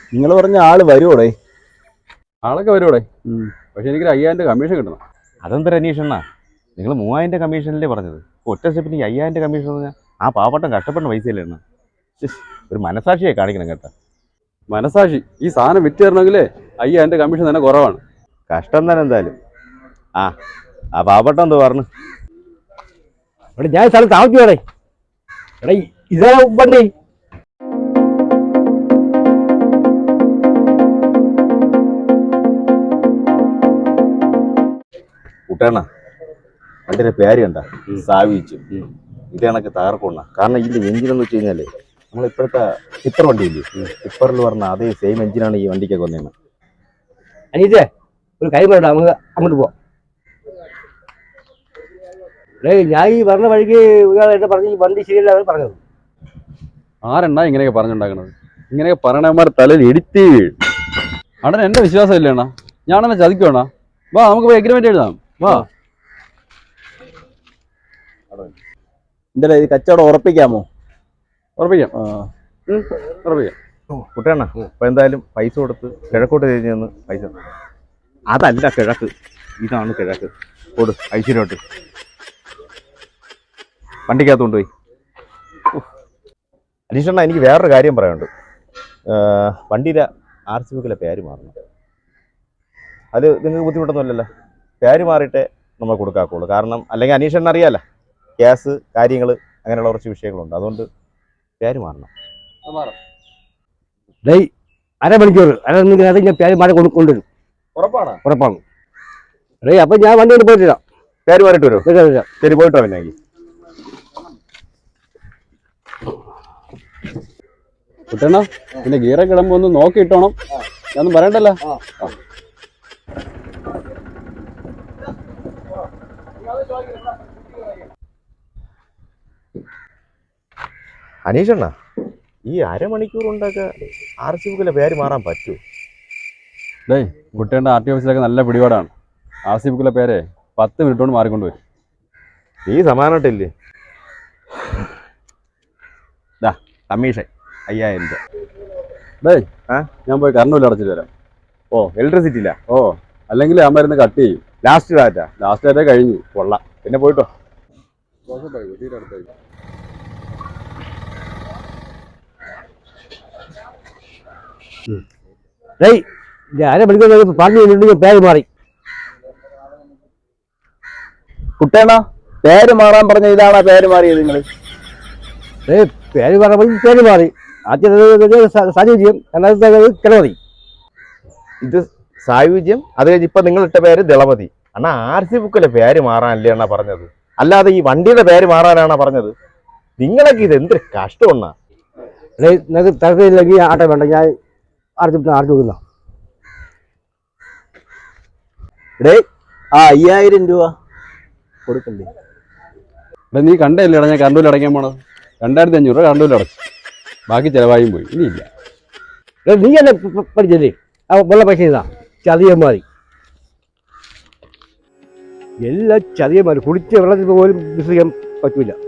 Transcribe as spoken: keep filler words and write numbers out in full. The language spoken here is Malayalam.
നിങ്ങൾ പറഞ്ഞ ആള് വരുവോടെ? ആളൊക്കെ വരുവോടെ, പക്ഷെ എനിക്കൊരു അയ്യായിരം രൂപ കമ്മീഷൻ കിട്ടണം. അതെന്തൊരു അന്വേഷണ? നിങ്ങൾ മൂവായിരം രൂപ കമ്മീഷനല്ലേ പറഞ്ഞത്? ഒറ്റ സ്റ്റെപ്പിന് അയ്യായിരം രൂപ കമ്മീഷൻ പറഞ്ഞാൽ ആ പാവപ്പെട്ടം കഷ്ടപ്പെടുന്ന പൈസയല്ലേ എണ്ണ? ഒരു മനസാക്ഷിയെ കാണിക്കണം കേട്ടോ. മനസാക്ഷി? ഈ സാധനം വിറ്റ് തരണമെങ്കിലേ അയ്യായിരം രൂപ കമ്മീഷൻ തന്നെ കുറവാണ്. കഷ്ടം തന്നെ എന്തായാലും. ആ ആ പാവപ്പെട്ടം എന്തോ പറഞ്ഞു? എടാ ഞാൻ സ്ഥലത്ത് താമസിച്ചോടെ. എടാ ഇതാ വണ്ടി. കൂട്ടേണ വണ്ടിയുടെ പേര് കണ്ട സാവിച്ചു. ഇത് കണക്ക് തകർക്കൊണ്ട. കാരണം ഇതിന്റെ എഞ്ചിൻ എന്ന് വെച്ച് കഴിഞ്ഞാല് നമ്മൾ ഇപ്പോഴത്തെ ടിപ്പർ വണ്ടിയില്ലേ, ടിപ്പറിൽ പറഞ്ഞ അതേ സെയിം എഞ്ചിനാണ് ഈ വണ്ടിക്കൊക്കെ വന്നേന്ന്. അനീറ്റേ ഒരു കൈ വേണ്ട, നമുക്ക് അങ്ങോട്ട് പോവാം. ഏയ് ഞാൻ ഈ പറഞ്ഞ വഴിക്ക് ഒരാൾ എന്നെ പറഞ്ഞ് ഈ വണ്ടി ശരിയല്ല അവർ പറഞ്ഞത്. ആരെണ്ണ ഇങ്ങനെയൊക്കെ പറഞ്ഞുണ്ടാക്കണത്? ഇങ്ങനെയൊക്കെ പറയണമാർ തലയിൽ ഇടിത്തി വീഴും. അണ്ണൻ എന്റെ വിശ്വാസം ഇല്ലേ അണ്ണാ? ഞാനെന്നെ ചതിക്കുവാണ. വാ നമുക്ക് പോയി എഗ്രിമെന്റ് എഴുതാം. വാ. എന്താ ഇത് കച്ചവടം ഉറപ്പിക്കാമോ? ഉറപ്പിക്കാം, ഉറപ്പിക്കാം. കുട്ടേണ അപ്പൊ എന്തായാലും പൈസ കൊടുത്ത് കിഴക്കോട്ട് തിരിഞ്ഞു നിന്ന് പൈസ. അതല്ല കിഴക്ക്, ഇതാണ് കിഴക്ക്. കൊടു ഐശ്വര്യോട്ട് വണ്ടിക്കകത്ത് കൊണ്ടുപോയി. അനീഷണ്ണ എനിക്ക് വേറൊരു കാര്യം പറയാനുണ്ട്. വണ്ടിയിലെ ആർ സി ബുക്കിലെ പേര് മാറണം. അത് നിങ്ങൾക്ക് ബുദ്ധിമുട്ടൊന്നും അല്ലല്ലോ. പേര് മാറിയിട്ടേ നമ്മൾ കൊടുക്കാക്കുള്ളൂ. കാരണം അല്ലെങ്കിൽ അനീഷണ്ണ അറിയാലോ, ഗ്യാസ് കാര്യങ്ങൾ അങ്ങനെയുള്ള കുറച്ച് വിഷയങ്ങളുണ്ട്. അതുകൊണ്ട് പേര് മാറണം. ഡേയ് അരമണിക്കൂർ അര ഞാൻ പേര് മാറി കൊണ്ട് കൊണ്ടുവരും. ഉറപ്പാണ്? ഉറപ്പാണ്. ഡേയ് അപ്പം ഞാൻ വണ്ടി കൊണ്ട് പോയിട്ടില്ല. പേര് മാറിയിട്ട് വരുമോ? ശരി, പോയിട്ടോ. പിന്നെ കുട്ടണ്ണ പിന്നെ ഗിയറൊക്കെ ഇടുമ്പോ ഒന്ന് നോക്കിയിട്ടോണം. ഞാനൊന്നും പറയണ്ടല്ലോ. അനീഷണ്ണ ഈ അരമണിക്കൂർ കൊണ്ടൊക്കെ ആർ സി ബുക്കിലെ പേര് മാറാൻ പറ്റൂ? ഡേയ് കുട്ടേണ്ട ആർ ടി ഓഫീസിലൊക്കെ നല്ല പിടിപാടാണ്. ആർ സി ബുക്കിലെ പേരെ പത്ത് മിനിറ്റ് കൊണ്ട് മാറിക്കൊണ്ട് വരും. ഈ സമാനമായിട്ടില്ലേ? ദാ കമ്മീഷൻ അയ്യായിരം രൂപ. ഡേയ് ആ ഞാൻ പോയി കറണ്ട് ബില്ല് അടച്ചിട്ട് വരാം. ഓ ഇലക്ട്രിസിറ്റി ഇല്ല? ഓ അല്ലെങ്കിൽ ആ മരുന്ന് കട്ട് ചെയ്യും. Last data? ലാസ്റ്റ് ഡാറ്റ കഴിഞ്ഞു. കൊള്ളാം. പിന്നെ പോയിട്ടോ. ഡേയ് അരമണിക്കൂർ പറഞ്ഞു കഴിഞ്ഞിട്ടുണ്ടെങ്കിൽ പേര് മാറി. കുട്ടേണ പേര് മാറാൻ പറഞ്ഞ ഇതാണോ പേര് മാറിയത് നിങ്ങൾ? ഏയ് പേര് പറഞ്ഞപ്പോൾ പേര് മാറി. ആദ്യം സാഹചര്യം രണ്ടാമത്തെ കിളമതി. ഇത് സായുജ്യം, അത് കഴിഞ്ഞ് ഇപ്പൊ നിങ്ങളിട്ട പേര് ദളപതി. അണ്ണാ ആർ സി ബുക്കിലെ പേര് മാറാനല്ലേ അണ്ണാ പറഞ്ഞത്, അല്ലാതെ ഈ വണ്ടിയുടെ പേര് മാറാനാണോ പറഞ്ഞത്? നിങ്ങളൊക്കെ ഇത് എന്തൊരു കഷ്ടമാണ്. നിങ്ങൾക്ക് തിരക്കില്ലെങ്കിൽ ആട്ടെ വേണ്ട, ഞാൻ ആർച്ച് ആർച്ച് വെക്കുന്ന. ഡേ ആ അയ്യായിരം രൂപ കൊടുക്കണ്ടേ? ഇവിടെ നീ കണ്ടല്ലേ ഞാൻ കറണ്ട് ബില്ല് അടയ്ക്കാൻ പോണത്? രണ്ടായിരത്തി അഞ്ഞൂറ് രൂപ കറണ്ട് ബില്ല് അടച്ചു. ബാക്കി ചിലവായും പോയി. ഇനിയില്ല. നീ എന്നെ പഠിച്ചല്ലേ? ആ വെള്ള പൈസ ഇതാ ചതിയന്മാരി. എല്ലാ ചതിയന്മാരും കുടിച്ച വെള്ളത്തിൽ പോലും വിശ്വസിക്കാൻ പറ്റൂല.